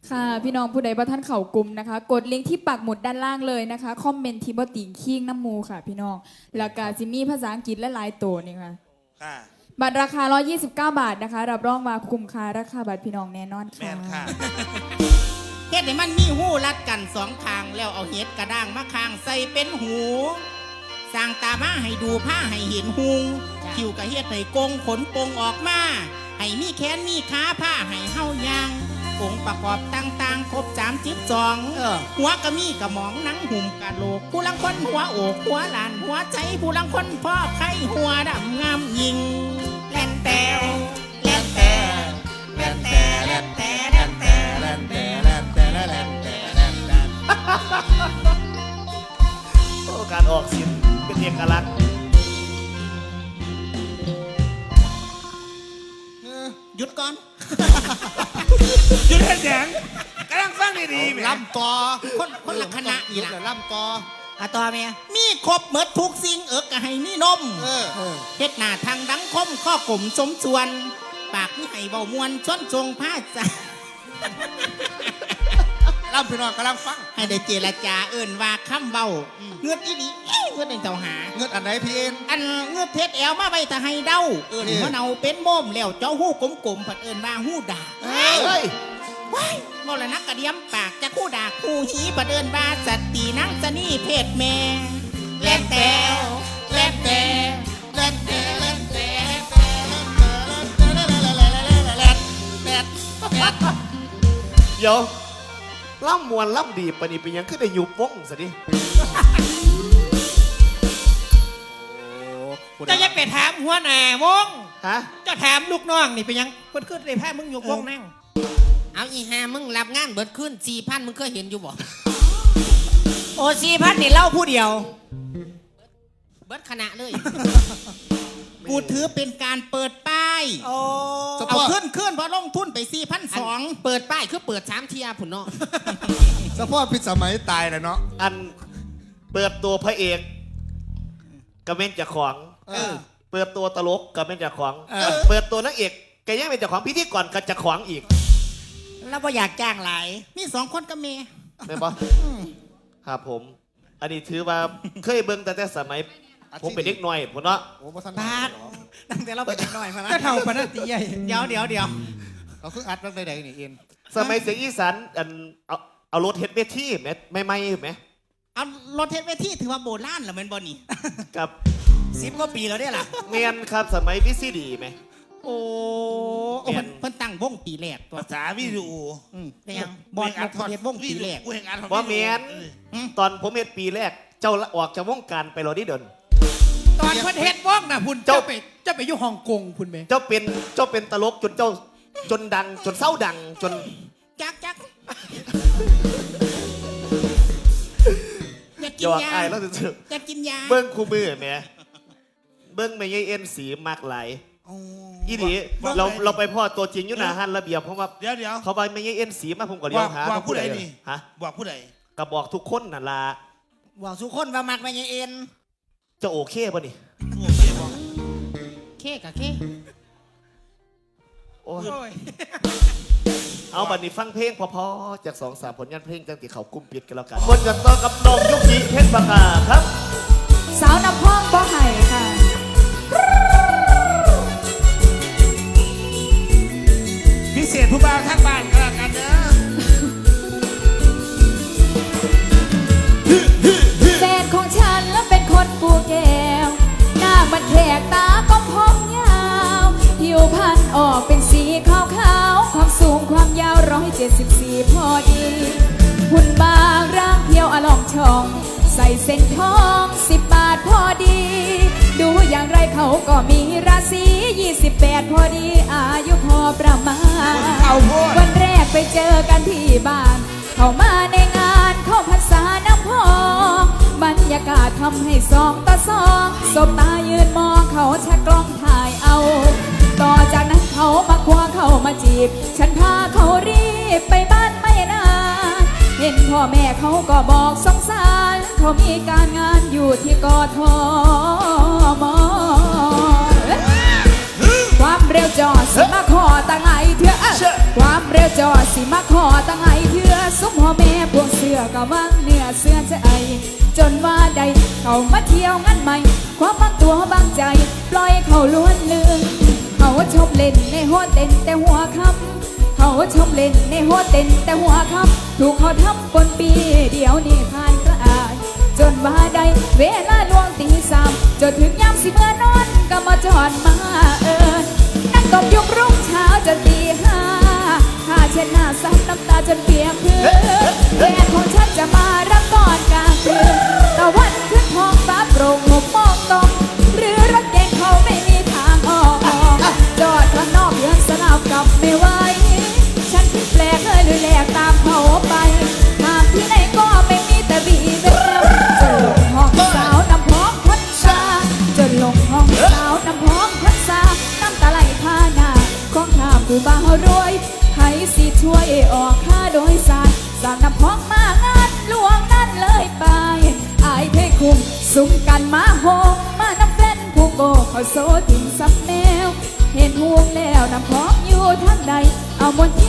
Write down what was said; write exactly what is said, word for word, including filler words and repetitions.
ค่ะพี่น้องผู้ใดบ่ท่านเข่ากลุ่มนะคะกดลิงก์ที่ปักหมุดด้านล่างเลยนะคะคอมเมนต์ที่บ่ติงคิงน้ำมูค่ะพี่น้องแล้วก็จิมีภาษาอังกฤษและหลายตัวนี่ค่ะค่ะบัตรราคาหนึ่งร้อยยี่สิบเก้าบาทนะคะรับรองว่าคุ้มค่าราคาบัตรพี่น้องแน่นอนค่ะแม่นค่ะเฮ็ดให้มันมีหูรัดกันสองข้างแล้วเอาเห็ดกระด้างมาข้างใส่เป็นหูสร้างตามาให้ดูผ้าให้เห็นหุงคิวกระเฮ็ดให้กงขนปงออกมาให้มีแขนมีขาผ้าให้เฮายางองค์ประกอบต่างๆครบสามจิบจองหัวกระมีกระหมองหนังหุ่มกะโหลกผู้ลังคนหัวโอกหัวหลานหัวใจผู้ลังคนพ่อไข่หัวดำงามยิงแล่นแตวแล่นแตวแล่นแตวแล่นแตวแล่นแตวแล่นแตวแล่นแตวแล่นแตวแล่นแตวโอ้การออกเสียงเป็นเอกลักษณ์หยุดก่อนหยุดเห็นแสงกำลังฟังดีๆลำต่อคนคนละคณะนี่ล่ะลำต่ออะต่อเมียมีครบเหมือนทุกสิ่งเอิกก็ให้มีนมเฮ็ดหน้าทางดังคมข้อกลมสมส่วนปากมีให้เบามวนชนทรงผ้าจ้าลำพี่น้องกำลังฟังให้ได้เจรจาเอิ่นว่าคำเบาเงือดอีนี่เงือดในเจ้าหาเงือดอันไหนพี่เอ็นอันเงือดเทศแอวมาใบตะให้เด้าเอิ่นมะเนาเป็นโมมแล้วเจ้าหู้กลมๆผัดเอิ่นว่าหู้ด่าเฮ้ยว้ายมรณะกระเดียมปากจะคู่ด่าคู่หีผัดเอิ่นว่าสตีนังสนี่เพศแม่แล่นแตวแล่นแตวแล่นแตวแล่นแตวเดี๋ยวล่ำมวนล่ำดีปะนี่เป็นยังขึ้นได้ยุบวงสิดิจะยังไปถามหัวหน้าวงฮะจะถามลูกน้องนี่เป็นยังเพิ่นขึ้นได้แพ้มึงยุบวงนั่งเอาอีห่ามึงรับงานเบิดขึ้นสี่พันมึงเคยเห็นอยู่บ่โอ้สี่พันนี่เล่าผู้เดียวเบิดคณะเลยกูถือเป็นการเปิดป้ายเอาขึ้นขึ้นเพราะลงทุนไปสี่พันสองเปิดป้ายคือเปิดสามเทียผุนเนาะเฉพาะพิษสมัยตายเลยเนาะอันเปิดตัวพระเอกกระเม็นจากของเปิดตัวตลกกระเม็นจากของเปิดตัวนักเอกแกยังเป็นจากของพิธีกรกับจากของอีกแล้วก็อยากจ้างหลายมีสองคนกับเมย์ได้ปะครับผมอันนี้ถือว่าเคยเบิ่งแต่แต่สมัยผมเป็นเด็กน้อยผมเนาะบาดตั้งแต่เราเป็นเด็กน้อยมาแล้วก็เท่าปนัดตีใหญ่เดี๋ยวเดี๋ยวเดี๋ยวเราคืออัดตั้งแต่ใดนี่เองสมัยเสียงอีสานอันเอาเอารถเฮ็ดเวทีไหมไม่ไม่ไหมเอารถเฮ็ดเวทีถือว่าโบราณเหรอมันบอนี่กับสิบกว่าปีแล้วเนี่ยล่ะเมียนครับสมัยวิซีดีไหมโอ้เพิ่นตั้งวงปีแรกภาษาวิดีโอเป็นยังบอลเฮ็ดวงปีแรกว่าเมียนตอนผมเฮ็ดปีแรกเจ้าออกจากวงการไปรอที่เดินตอนเพิ่นเฮ็ดวงน่ะพุ่นเจ้าไปเจ้าไปอยู่ฮ่องกงพุ่นแม่เจ้าเป็นเจ้าเป็นตลกจนเจ้าจนดังจนเศร้าดังจนจักจักอยากกินยาแล้วจะอยากกินยาเบิ้งคู่มือแม่เบิ้งไม่ใช่เอ็นสีมากหลายอีดีเราเราไปพ่อตัวจริงอยู่หน้าฮันระเบียบเพราะว่าเดี๋ยวเดี๋ยวเขาไปไม่ใช่เอ็นสีมาผมก็เลี้ยวหาบอกผู้ใดนี่ฮะบอกผู้ใดก็บอกทุกคนน่ะล่ะบอกทุกคนว่ามักไม่ใช่เอ็นจะโอเคป่ะนี่โอเคป่ะเคกับเคโอ้ยเอาบัดนี้ฟังเพลงพอๆจากสองสามผลงานเพลงจังติเขากุ้มปิดกันแล้วกันบนกันต่อกับน้องยุกิเพชรปากกาครับสาวน้ำพ่องบ่ไห่ค่ะพิเศษผู้บ่าวทางบ้านกันแล้วกันเด้อแฟนของฉันแล้วเป็นคนกูแก้วหน้ามันแขกตาก็พองยาวผิวพรรณออกเป็นสีขาวขาวความสูงความยาวร้อยเจ็ดสิบสี่พอดีหุ่นบางร่างเพียวอลองช่องใส่เส้นทองสิบบาทพอดีดูอย่างไรเขาก็มีราศียี่สิบแปดพอดีอายุพอประมาณวันแรกไปเจอกันที่บ้านเข้ามาในงานเข้าพรรษาน้ำพองบรรยากาศทำให้สองต่อสองสบตายืนมองเขาชักกล้องถ่ายเอาต่อจากนั้นเขามาคว้าเข้ามาจีบฉันพาเขารีบไปบ้านไม่นานเห็นพ่อแม่เขาก็บอกสงสารเขามีการงานอยู่ที่กทมความเร็วจอดสิมาขอตั้งไงเถื่อเอ้อความเร็วจอดสิมาขอตั้งไงเถื่อสุมพ่อแม่พวกเสือก็วังเนื้อเสื้อใจจนว่าใดเขามาเที่ยวงั้นไหมความบางตัวบางใจปล่อยเขาล้วนลืมเขาชมเล่นในหัวเต้นแต่หัวคำเขาชมเล่นในหัวเต้นแต่หัวคำถูกเขาทำปนปีเดี๋ยวนี้ผ่านกระอายจนว่าใดเวลาลวงตีสามจนถึงยามสิเมื่อนอนก็มาจอดมาเอิญนั่งตบยุงรุ่งเช้าจนตีห้าข้าเช็ดหน้าซับน้ำตาจนเปียกพื้นแฟนของฉันจะมารับตอนกลางคืนตะวันขึ้นท้องฟ้าโปร่งหกโมงตรงหรือรถเก๋งเขาไม่มีทางออกจอดข้างนอกเดือนสนามกลับไม่ไหวฉันคิดแปลกเลยเลยแหลกตามเขาไปทางที่ไหนก็ไม่มีแต่บีเบลจนลงห้องสาวนำพ้องคนซาจนลงห้องสาวนำพ้องคนซาน้ำตาไหลพาหน้าของข้าผู้บ่าวรวยใครสิช่วยออกค่าโดยสารสาวนำพ้องมางานหลวงนั่นเลยไปอายเทคุมสุ่มกันมาโฮมาน้ำเฟ้นผู้โบเขาโซถึงซับแนวเห็นห่วงแล้วน้ำพ้องอยู่ทางใดเอาบนที่